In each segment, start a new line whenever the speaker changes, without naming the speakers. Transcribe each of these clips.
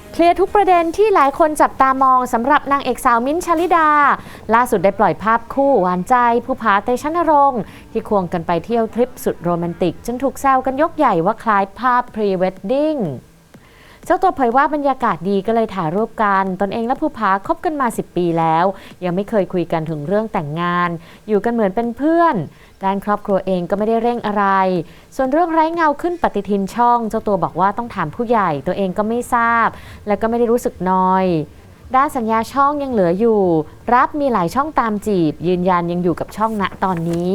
เคลียร์ทุกประเด็นที่หลายคนจับตามองสำหรับนางเอกสาวมิ้นท์ ชลิดาล่าสุดได้ปล่อยภาพคู่หวานใจภูผา เตชะนรงค์ที่ควงกันไปเที่ยวทริปสุดโรแมนติกจนถูกแซวกันยกใหญ่ว่าคล้ายภาพพรีเวดดิ้งเจ้าตัวเผยว่าบรรยากาศดีก็เลยถ่ายรูปกันตนเองและภูผาคบกันมา10 ปีแล้วยังไม่เคยคุยกันถึงเรื่องแต่งงานอยู่กันเหมือนเป็นเพื่อนด้านครอบครัวเองก็ไม่ได้เร่งอะไรส่วนเรื่องไร้เงาขึ้นปฏิทินช่องเจ้าตัวบอกว่าต้องถามผู้ใหญ่ตัวเองก็ไม่ทราบและก็ไม่ได้รู้สึกนอยด้านสัญญาช่องยังเหลืออยู่รับมีหลายช่องตามจีบยืนยันยังอยู่กับช่องณตอนนี้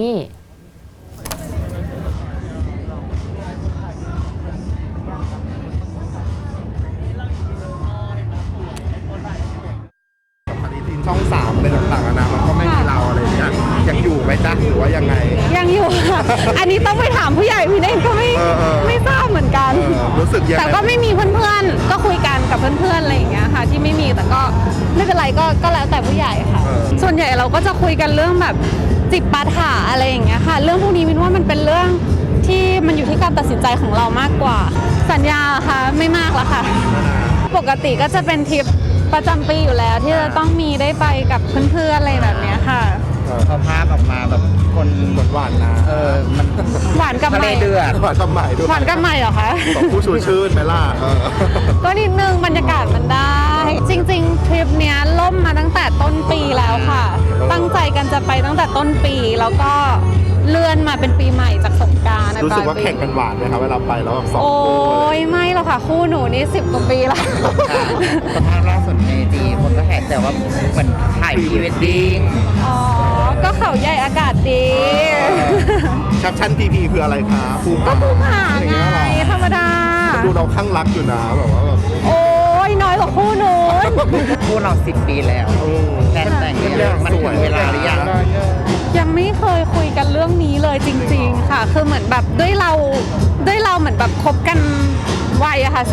ช่อง3เป็นต่างๆนะมันก็ไม่มีเราอะไรอย่างเงี้ยยังอยู่ไหมจ๊ะหรือว่ายังไง
ยังอยู่ค่ะ อันนี้ต้องไปถามผู้ใหญ่พี่เองก็ไม่ทราบเหมือนกัน
รู้สึกยังไง
แต่ก็ไม่มีเพื่อนๆก็คุยกันกับเพื่อนๆอะไรอย่างเงี้ยค่ะที่ไม่มีแต่ก็ไม่เป็นไรก็แล้วแต่ผู้ใหญ่ค่ะส่วนใหญ่เราก็จะคุยกันเรื่องแบบจิปาถะอะไรอย่างเงี้ยค่ะเรื่องพวกนี้มินว่ามันเป็นเรื่องที่มันอยู่ที่การตัดสินใจของเรามากกว่าสัญญาค่ะไม่มากแล้วค่ะปกติก็จะเป็นทริปประจำปีอยู่แล้วที่จะต้องมีได้ไปกับเพื่อนๆอะไรแบบนี้ค่ะ
เขาภาพออกมาแบบคน
หวานนะ
มัน
หวานกับใหม่
เดือด
หวานกับใหม่ด้วย
หวานกับใหม่เหรอคะ
สองผู้ชูชื่นไหมล่ะ
ก็นิดนึงบรรยากาศมันได้จริงๆทริปเนี้ยล่มมาตั้งแต่ต้นปีแล้วค่ะตั้งใจกันจะไปตั้งแต่ต้นปีแล้วก็เลื่อนมาเป็นปีใหม่จากสงกรานต์
รู้สึกว่าแข่งกันหวานไหมครับเวลาไปแล้วแบบ2 คู่
โอ้ยไม่หรอกค่ะคู่หนูนี่10 กว่าปีแล้ว
สภาพล่าสุดในจีคนก็แห่แต่ว่าเหมือนถ่ายพรีเวดดิ้ง
อ๋อก็เขาใหญ่อากาศดี
แคปชั่นพีคืออะไรคะ
ก็ภูผาไงธรรมดา
ดูเราข้างรักอยู่นะแบบว่าแบบ
โอ้ยน้อยกว่าคู่หนู
คู่เรา10 ปีแล้วแต่งเรื่องมันถึงเวลาหรือ
ยังไม่เคยคุยกันเรื่องนี้เลยจริงๆค่ะคือเหมือนแบบด้วยเราเหมือนแบบคบกันวัยอะค่ะ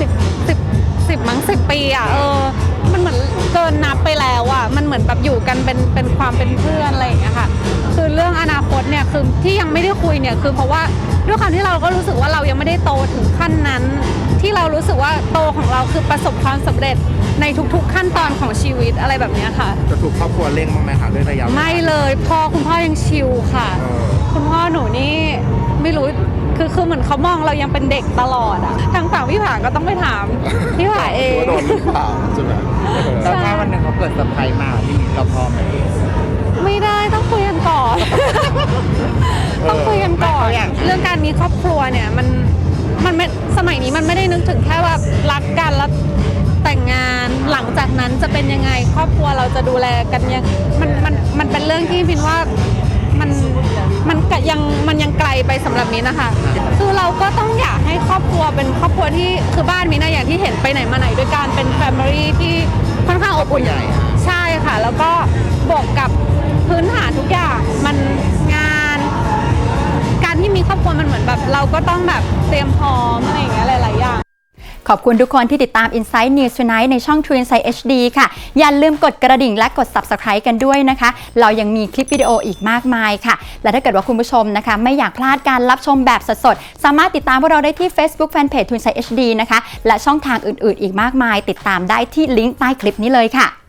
10 มั้ง10 ปีอะมันเหมือนเกินนับไปแล้วอะมันเหมือนแบบอยู่กันเป็นความเป็นเพื่อนอะไรอย่างเงี้ยค่ะคือเรื่องอนาคตเนี่ยคือที่ยังไม่ได้คุยเนี่ยคือเพราะว่าด้วยความที่เราก็รู้สึกว่าเรายังไม่ได้โตถึงขั้นนั้นที่เรารู้สึกว่าโตของเราคือประสบความสำเร็จในทุกๆขั้นตอนของชีวิตอะไรแบบนี้ค่ะ
จะถูกครอบครัวเร่งบ้างไหมคะด้วยระยะ
ไม่เลยคุณพ่อยังชิลค่ะคุณพ่อหนูนี่ไม่รู้คือเหมือนเขามองเรายังเป็นเด็กตลอดอะทางฝั่งพี่ผาก็ต้องไปถามพี่ผาเอง
ว่าโดนหรือเปล่าใช่ไหม
แล้วถ้าวันหนึ่งเขาเกิดเซอร์ไพรส์มาที่เราพร้อมไหม
ไม่ได้ต้องคุยกันก่อนต้องคุยกันก่อนเรื่องการมีครอบครัวเนี่ยมันสมัยนี้มันไม่ได้นึกถึงแค่ว่ารักกันแล้วแต่งงานหลังจากนั้นจะเป็นยังไงครอบครัวเราจะดูแลกันยังมันเป็นเรื่องที่พินว่ามันยังไกลไปสำหรับมิ้นนะคะคือเราก็ต้องอยากให้ครอบครัวเป็นครอบครัวที่คือบ้านมิ้นนะอย่างที่เห็นไปไหนมาไหนด้วยการเป็นแฟมิลี่ที่ค่อนข้างอบอุ่นใช่ค่ะแล้วก็บวกกับพื้นฐานทุกอย่างมันงานการที่มีครอบครัวมันเหมือนแบบเราก็ต้องแบบเตรียมพร้อมอะไรอย่างเงี้ยหลายๆอย่าง
ขอบคุณทุกคนที่ติดตาม Inside News Tonight ในช่อง True Insight HD ค่ะอย่าลืมกดกระดิ่งและกด Subscribe กันด้วยนะคะเรายังมีคลิปวิดีโออีกมากมายค่ะและถ้าเกิดว่าคุณผู้ชมนะคะไม่อยากพลาดการรับชมแบบสดๆสามารถติดตามพวกเราได้ที่ Facebook Fanpage True Insight HD นะคะและช่องทางอื่นๆอีกมากมายติดตามได้ที่ลิงก์ใต้คลิปนี้เลยค่ะ